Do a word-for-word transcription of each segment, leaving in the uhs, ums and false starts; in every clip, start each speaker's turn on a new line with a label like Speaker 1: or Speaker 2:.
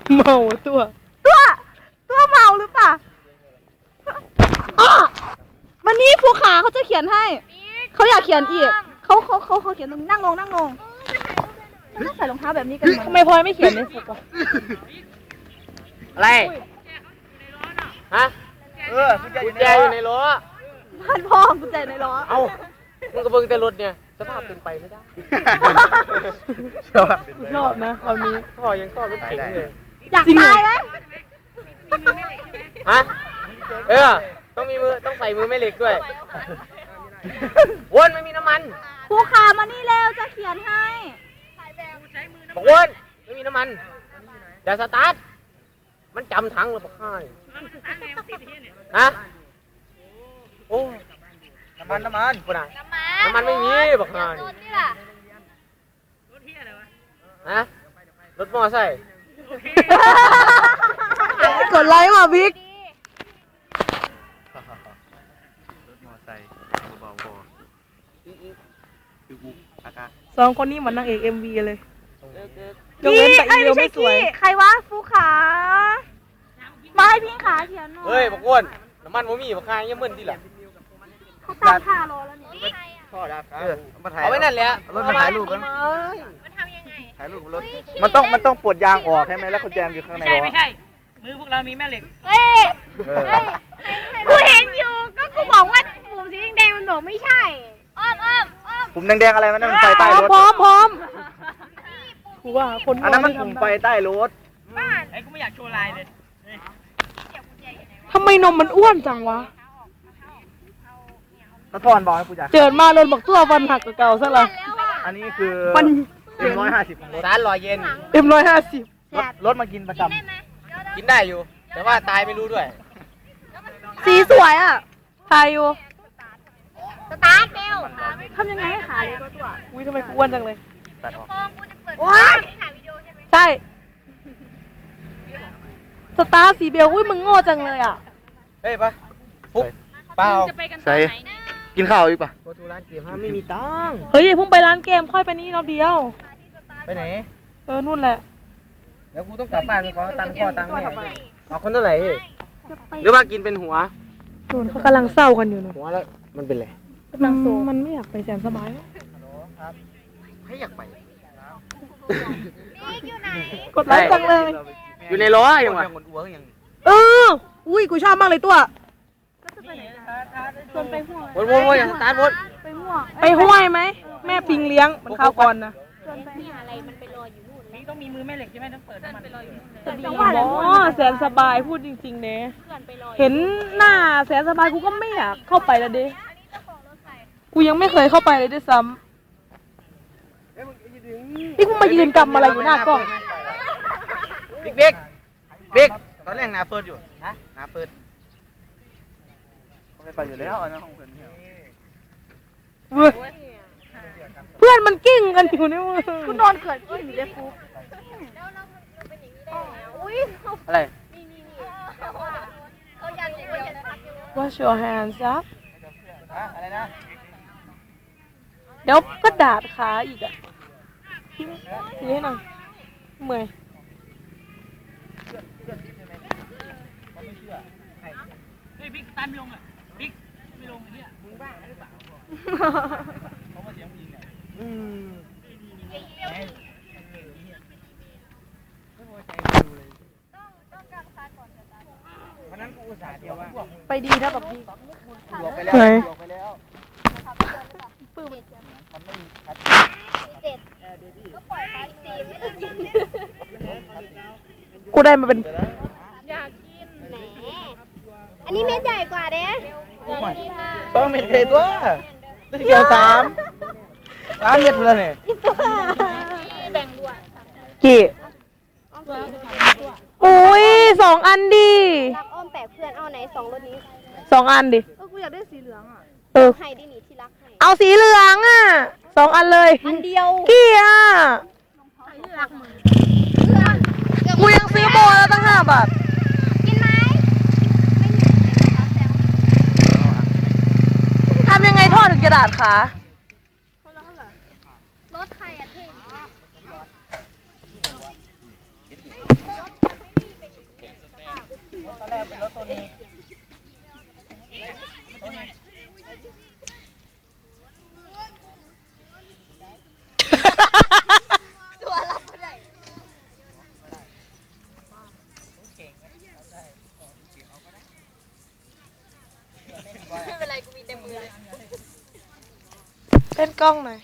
Speaker 1: เมาตัว
Speaker 2: ตัวตัวเมาหรือเปล่าวันนี้ภูขาเขาจะเขียนให้เขาอยากเขียนอีกเขาเขาเขาเขาเขียนตรงนี้นั่งลงนั่งลงมันต้องใส่รองเท้าแบบนี้กันทำไมพลอยไม่เขียนในสุกอะ
Speaker 3: อะไรฮะ
Speaker 4: เออกุญแจอยู่ในล้อ
Speaker 2: พันพ่อกุญแจในล้อ
Speaker 3: เอ้ามึงก็เบิ่งแต่รถเนี่ยสภาพเป็นไปไม่ได้
Speaker 1: ชอบนะคำนี้
Speaker 3: พ่อยังชอบรถเก๋งเลย
Speaker 2: อยากตายไหม
Speaker 3: ฮะเออต้องมีมือต้องใส่มือแม่เหล็กด้วยวนไม่มีน้ำมัน
Speaker 2: ภูขามานี่เร็วจะเขียนให้
Speaker 3: บอกวนไม่มีน้ำมันอย่าสตาร์ทมันจำถังเลยบอกให้ฮะโอ้
Speaker 4: น้ำมันน้ำมัน
Speaker 3: คนไหนน้ำมันไม่มีบอกให้ฮะรถมอไซค์
Speaker 2: กดไลค์ว่ะบิ๊ก
Speaker 4: รถมอไซค์เบาๆคือกูอากาศ
Speaker 1: สองคนนี้เหมือนนางเอกเอ็มวีเลย
Speaker 2: ยกเว้นแต่อีเดียวไม่สวยใครวะฟูขามาให้พี่ขาเขียนหน่อย
Speaker 3: เฮ้ยบอกวนน้ำมันโมมี่บอกใครยังมึนที่หลัง
Speaker 2: เขาตั้งท่ารอแล้วเนี่ย
Speaker 4: พ่อดับ
Speaker 3: เอาไว้นั่นแหละ
Speaker 4: รถมาถ่ายรูปกันถ่ายรูปรถมันต้องมันต้องปลดยางออกใช่ไหมแล้วกุญแจอยู่ข้างใน
Speaker 5: ไม่ใช่ไม่ใช่มือพวกเรามีแม่เหล็ก
Speaker 2: เฮ้ยกูเห็นอยู่ก็กูบอกว่าปุ่มสีแดงมันบอกไม่ใช่อ้อมอ้อมอ้อม
Speaker 4: ปุ่มแดงๆอะไรมันนั่นมันไฟใต้รถ
Speaker 1: พร้อมพร้อมกูว่าคน
Speaker 4: อันนั้นมันปุ่มไฟใต้รถ
Speaker 5: ไอ้กูไม่อยากโชว์ลายเลย
Speaker 1: ทำไมนมมันอ้วนจังวะ
Speaker 4: ตะทอนบอกให้กูจ่าย
Speaker 1: เจิดมาโดนบอกตัวฟันหักเก่าซะละ
Speaker 4: อันนี้คือ
Speaker 1: มัน
Speaker 4: เอ็มร้อยห้าสิบของรถ
Speaker 3: ร้านรอยเย็น
Speaker 1: เอ็มร้อยห้าสิบ
Speaker 4: รถรถมากินประจ
Speaker 3: ำกินได้อยู่ แต่ว่าตายไม่รู้ด้วย
Speaker 2: สีสวยอ่ะ
Speaker 1: ทายอยู่
Speaker 2: สตาร์ทเร็วทำยังไงให้ขาเลยตัวตัว
Speaker 1: อุ้ยทำไมกูอ้วนจังเลย
Speaker 4: ตัดออก
Speaker 2: ว้า
Speaker 1: ใช่สตาร์สีเบลอุ้ยมึงโง่จังเลยอ่ะ
Speaker 3: เฮ้ยปะปุ๊บเปล่า
Speaker 4: ใส่กินข้าวอีกปะ
Speaker 3: โคตูร้านเกมห้าไม่มีตังค์
Speaker 1: เฮ้ยเพิ่งไปร้านเกมค่อยไปนี่รอบเดียว
Speaker 3: ไปไหน
Speaker 1: เออนู่นแหละ
Speaker 3: เดี๋ยวกูต้องกลับบ้านไปขอตังค์พ่อตังค์แม่เอาคนเท่าไหร่หรือว่ากินเป็นหัว
Speaker 1: นู่นเขากำลังเศร้ากันอยู่นะ
Speaker 3: หัวแล้วมันเป็นไร
Speaker 1: มันไม่อยากไปแสนสบาย
Speaker 3: ให้อยากไป
Speaker 1: กดไลค์จังเลย
Speaker 3: อยู่ในล้อยังวะ
Speaker 1: เอออุ้ยกูชอบมากเลยตัว
Speaker 2: ชวนไปห่วง
Speaker 3: วนวนวนอย่างสตาร์ทวน
Speaker 2: ไปห่วง
Speaker 1: ไปห้วยไหมแม่ปิงเลี้ยงมันข้าวก่อนนะ
Speaker 2: ชวนไปหาอะไรมันไปรออยู่นู่น
Speaker 5: นี่ต้องมีมือแม่เหล็กใช่ไหมต้องเปิดมันไปรออยู่นู่นเลย
Speaker 1: จังหวะอ๋อแสนสบายพูดจริงๆเนี่ยเห็นหน้าแสนสบายกูก็ไม่อยากเข้าไปแล้วดิกูยังไม่เคยเข้าไปเลยด้วยซ้ำนี่กูมายืนกำอะไรอยู่หน้ากล้อง
Speaker 3: บิ๊กบิ๊กบิ๊กตอนแรกนาเปิดอยู่นะนาเปิด
Speaker 4: ไม่ไปอยู่แล้วอันนั้นของเพื่อน
Speaker 1: เพื่อนมันกิ้งกันอยู่นี่มึง
Speaker 2: คุณนอนเกิดกิ้งอยู่เลยฟุ๊ก
Speaker 3: อะไร
Speaker 1: Wash your hands up
Speaker 4: อะไรนะ
Speaker 1: เดี๋ยวก็ดาดขาอีกอ่ะนี่หน่อยเมื่อย
Speaker 5: เฮ้ยบิ๊กตามไม่ลงอ่ะบิ๊กไม่ลงไอ้เนี่ยมึงบ้าหรือเปล่าเขามาเสียงยิงอ่ะอืมวันนั้นกูอุตส่าห์เดียวว่า
Speaker 1: ไปดีนะแบบนี้
Speaker 4: หลบไปแล้วหลบไปแล้ว
Speaker 2: ปื้ม
Speaker 4: มันไม่มีคัด
Speaker 2: เด็ดก็ปล่อยไปสิไม่ต้องกิน
Speaker 1: กูได้มาเป็น
Speaker 2: อยากกินแหมอันนี้เม็ดใหญ่กว่าเด้
Speaker 4: ต้องเม็ดเลยตัวได้เกี่ยวสามร้านเม็ดเลยเนี่ย
Speaker 2: แบ่งด้วย
Speaker 1: กี่อุ้ยสองอันดิ
Speaker 2: รักอ้อมแปะเพื่อนเอาไหนสองรถนี้
Speaker 1: สองอันดิ
Speaker 2: เออกูอยากได้สีเหลืองอ่ะ
Speaker 1: เออ
Speaker 2: ให้ดิหนีที่รักให้
Speaker 1: เอาสีเหลืองอ่ะสองอันเลย
Speaker 2: อันเดียว
Speaker 1: กี่อ่ะกูยังซื้อโบแล้วตั้งห้าบาท
Speaker 2: กินไหม
Speaker 1: ทำยังไงทอดถึงกระดาษคะ
Speaker 2: รถใครอ่ะเท่
Speaker 1: เล่นกล้องหน่อย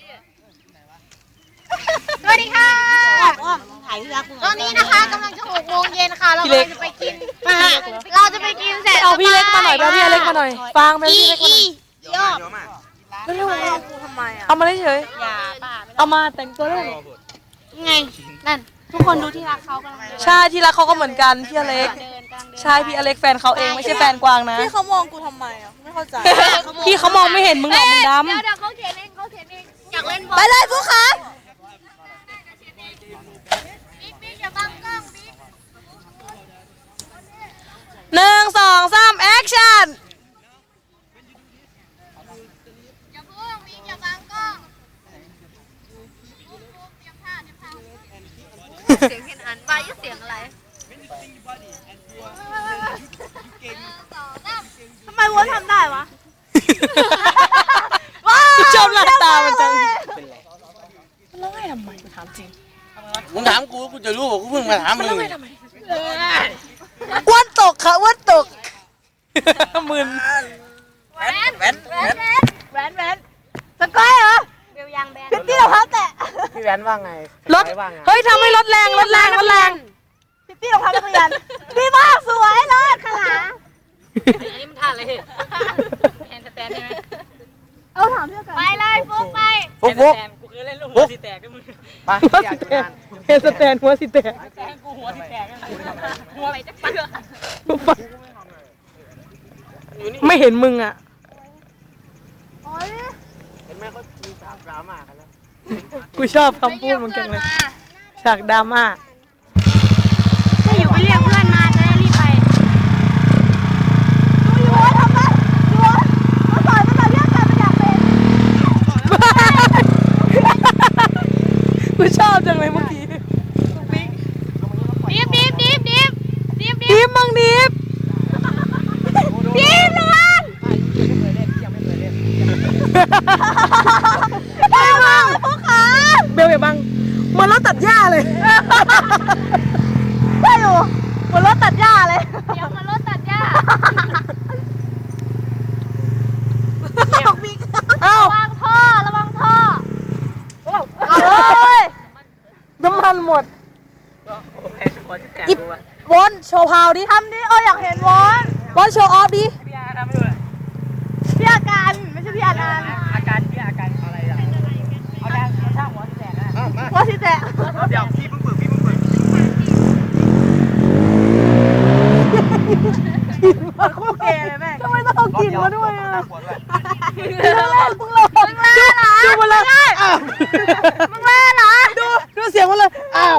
Speaker 2: สวัสดีค่ะตอนนี้นะคะกำลังจะหกโมงเย็นค่ะ เรากำลังจะไปกิน เราจะไปกินเสร็จ
Speaker 1: เอาพี่เล็กมาหน่อยเอาพี่อเล็กมาหน่อยฟังไปพี่เล็กมาหน่อย
Speaker 2: ยอด
Speaker 1: เร็ว
Speaker 2: ทำไมอ่ะ
Speaker 1: ๆเอามาได้เฉย
Speaker 2: อย่าป้า
Speaker 1: เอามาแต่งตัวเล่น
Speaker 2: ไง นั่น ทุกคนดูที่รักเขากำลังเดิน
Speaker 1: ใช่ที่รักเขาก็เหมือนกันพี่อเล็ก
Speaker 2: เดินกำลังเดิน
Speaker 1: ใช่พี่อเล็กแฟนเขาเองไม่ใช่แฟนกวางนะ
Speaker 2: พี่เขามองกูทำไมอ่ะ ไม่เข้าใจ
Speaker 1: พี่เขามองไม่เห็นมึงหรอกมึงดำ
Speaker 2: เดี๋ยวเดี๋ยวเขาเขียนเองเขาเขียนเองอยากเล่นบอลไปเลยผู้ค้าบิ๊กบิ๊กอย่าบังกล้องบิ๊ก
Speaker 1: หนึ่งสองสามแอคชั่น
Speaker 2: อย่าพูดบิ๊กอย่าบังกล้องเตรียมผ้าเตรียมผ้าเสียงเห็นอันว่าเสียงอะไรทำไมวัวทำได้วะ
Speaker 1: ชอบหลับตามันจังมันร้องไห้ทำไมกูถามจริง
Speaker 3: มึงถามกูกูจะรู้กูเพิ่งมาถามมึง
Speaker 1: อ้วนตกค่ะอ้วนตกมึน
Speaker 2: แวนแวนแวนแวนแวนสกอยเหรอเบลยางแบนพี่รองเท้าแตะ
Speaker 3: พี่แวนว่าไง
Speaker 1: รถ
Speaker 3: ว่าไง
Speaker 1: เฮ้ยทำให้รถแรงรถแรงรถแรง
Speaker 2: พี่รองเท้านักเรียนพี่มากสวยเลยขนาด
Speaker 5: อันนี้มันท่าอะไรแฮนด์สแตนใช่ไหม
Speaker 2: เอาถามเพื่อนกันไปเลยฟุกไป
Speaker 3: ฟุกฟุก
Speaker 5: กูเคยเล่นลูกหัวสีแตกด้วยมึง
Speaker 3: ไป
Speaker 1: หัว
Speaker 3: อยา
Speaker 1: สิ
Speaker 3: ก
Speaker 1: แต
Speaker 3: ดู
Speaker 1: ก
Speaker 3: งาน
Speaker 1: เฮสแตนหัวสิแตก
Speaker 5: แตกกูหัวสีแตกหัวไปจะเชื่อ
Speaker 3: อยู่นี่
Speaker 1: ไม่เห็นมึงอ่ะ
Speaker 2: โอ้ย
Speaker 3: เห็นไหมเขามีฉากดราม่ากันแล้ว
Speaker 1: กูชอบคำพูดมึงจังเลยฉากดราม่า
Speaker 2: ไม่อยู่ไปเรียกเพื่อนมาจะได้รีบไปดูอยู่ว่าทำไมดูว่ามาสอนมาสอนเรื่องการมันอยากเป็น
Speaker 1: กูชอบจังเลยเมื่อกี้
Speaker 2: ดิบดิบดิบดิบดิบดิบ
Speaker 1: ดิฟมังดิฟ
Speaker 2: ดิบระวังไปมาพวกขา
Speaker 1: เบลอย่าบังเหมันรถตัดหญ้าเลย
Speaker 2: ได้อยู่บนรถตัดหญ้าเลยเดี๋ยวบนรถตัดหญ้า
Speaker 1: เอ้า
Speaker 2: ระวังท่อระวังท่อเอาเลย
Speaker 1: น้ำมันหมด
Speaker 5: หัวสีแตก
Speaker 1: อิบวอนโชว์พาวดิ
Speaker 2: ทำดิเอออยากเห็นวอน
Speaker 1: วอนโชว์ออฟดิ
Speaker 5: พี่อาทำไม่ดูเลย
Speaker 2: พี่อาการไม่ใช่พี่อานันต์
Speaker 5: อาการพี่อาการอะไรอ่ะเอาแดงเอาช่างหัวสีแตกนะ
Speaker 2: ว่าสิแตะ
Speaker 3: เดี๋ยวพี่เพิ่งฝึกพี่เพิ่งฝึก
Speaker 2: คู่เกย์เลยแม่
Speaker 1: ทำไมต้องเอากลิ่นมาด้วยอ่ะ
Speaker 2: มึงเล่นมึงเล่นมึงเล่นเหรอ
Speaker 1: ดูมาเลยอ้าว
Speaker 2: มึงเล่นเหรอ
Speaker 1: ดูดูเสียงมาเลยอ้าว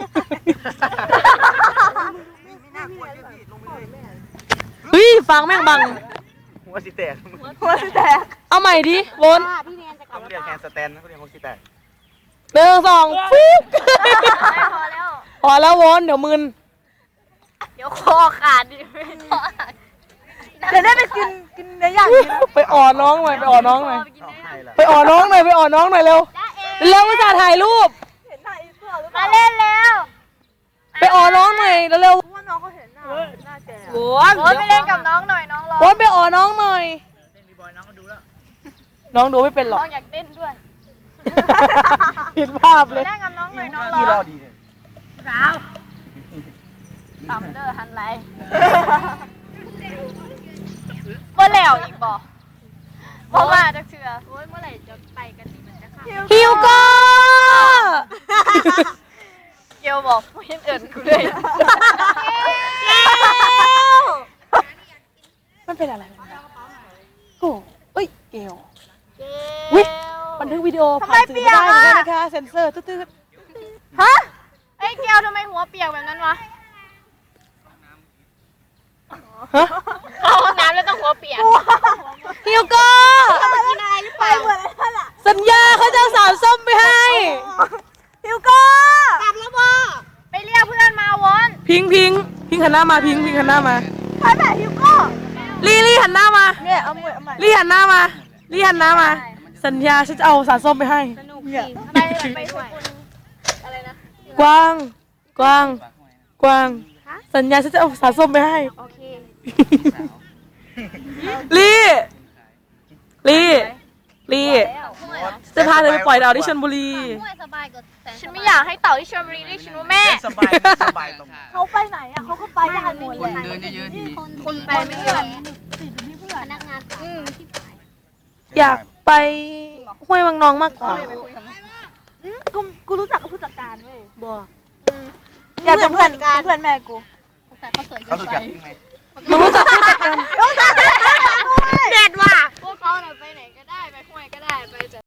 Speaker 1: เฮ้ยฟังแม่งบัง
Speaker 3: หัวสีแตก
Speaker 2: หัวสิแตก
Speaker 1: เอาใหม่ดิวอน
Speaker 2: พี่เนียนจะกลั
Speaker 3: ต้
Speaker 2: บ
Speaker 3: องเรียกแฮนด์สแตนนะเขาเรียกหัวสีแตก
Speaker 1: หนึ่งสองฟุ๊ก
Speaker 2: พอแล้ว
Speaker 1: พอแล้ววอนเดี๋ยวมึน
Speaker 2: เดี๋ยวคอขาดดิเดี๋ยวได้ไปกินกินเนื้อย่าง
Speaker 1: ไปอ่อน้องหน่อยไปอ่อน้องหน่อย
Speaker 3: เอาให้ละ
Speaker 1: ไปอ่อน้องหน่อยไปอ่อน้องหน่อยเร็วเร็วมาถ่ายรูป
Speaker 2: มาเล่นแล้ว
Speaker 1: ไปอ่อน้องหน่อยเร็ว
Speaker 2: ว่าน้องเขาเห็นหน้าหน้าแก่
Speaker 1: ๆวอน
Speaker 2: โอ้ยไปเล่นกับน้องหน่อยน้องร้อง
Speaker 1: วอนไปอ่อน้องหน่อย
Speaker 5: เล่นบีบอยน้องก็ดูแล้ว
Speaker 1: น้องดูไม่เป็นหร
Speaker 2: น้
Speaker 1: อก
Speaker 2: องอยากเต้นด้วย
Speaker 1: ผิดภาพเลย
Speaker 2: เล่นกับน้องหน่อยน้อง
Speaker 3: พี่ร
Speaker 2: ร้
Speaker 3: อ
Speaker 2: อง
Speaker 3: ดีเนี่ย
Speaker 2: สาวทำเด้อหันไหลเมื่อแล้วอีกบ่เพราะว่าจะเชื่อโอ้ยเมื่อไหร่จะไปกันดีมันจะค่ะ
Speaker 1: ฮิวโก้
Speaker 2: เกลบอกไม่เห็นเอิญกูเลย
Speaker 1: มันเป็นอะไรโอ้เอ้ยเกลวิบันทึกวิดีโอผ่านสื่อไม่ได้เหมือนกันนะคะเซ็นเซอร์ตืด
Speaker 2: ฮะไอ้เกลทำไมหัวเปียกแบบนั้นวะ
Speaker 1: ๆฮะ
Speaker 2: เข้าห้องน้ำแล้วต้องหัวเปียก
Speaker 1: ฮิวโก้
Speaker 2: กินอะไรหรือเปล่าเหมือนอะไรนั่นแหละ
Speaker 1: สัญญาเขาจะเอาสาวส้มไปให้
Speaker 2: ฮิวโก้กลับแล้วบ่ไปเรียกเพื่อนมาวอน
Speaker 1: พิงพิงพิงหันหน้ามาพิงพิงหันหน้ามา
Speaker 2: ทไปแบบฮิวโก้
Speaker 1: ลี่ลี่หันหน้ามา
Speaker 2: เนี่ยเอามือเอาใหม่
Speaker 1: ลี่หันหน้ามาลี่หันหน้ามา สัญญาฉันจะเอาสารส้มไปให้
Speaker 2: ไปไปด้วยอะไรนะ
Speaker 1: กวางกวางกวางสัญญาฉันจะเอาสารส้มไปให้
Speaker 2: โอเค
Speaker 1: ลี่ลี่ลี่จะพาเธอไปปล่อยดาวที่ชลบุรี
Speaker 2: ฉันไม่อยากให้เต่าที่ชลบุรีเรียกฉันว่าแม่
Speaker 4: สบายสบายตรง
Speaker 2: เขาไปไหนอ่ะเขาก็ไปได้หมดเลย
Speaker 3: เดินเยอะๆทีนี้
Speaker 2: คนไปไม่เยอะ
Speaker 1: อยากไปห้วยวังนองมากกว่า
Speaker 2: กูกูรู้จักกับผู้จัดการเว้ย
Speaker 1: บัว
Speaker 2: อยากเป็นเพื่อนกันเพื่อนแม่กู
Speaker 4: เขารู้จักจริงไหม
Speaker 1: มึงรู้จักผู้จัดการ
Speaker 2: เด็ดว่ะ
Speaker 6: พวกเขาน่ะไปไหนก็ได้ ไปห้วยก็ได้ ไปแต่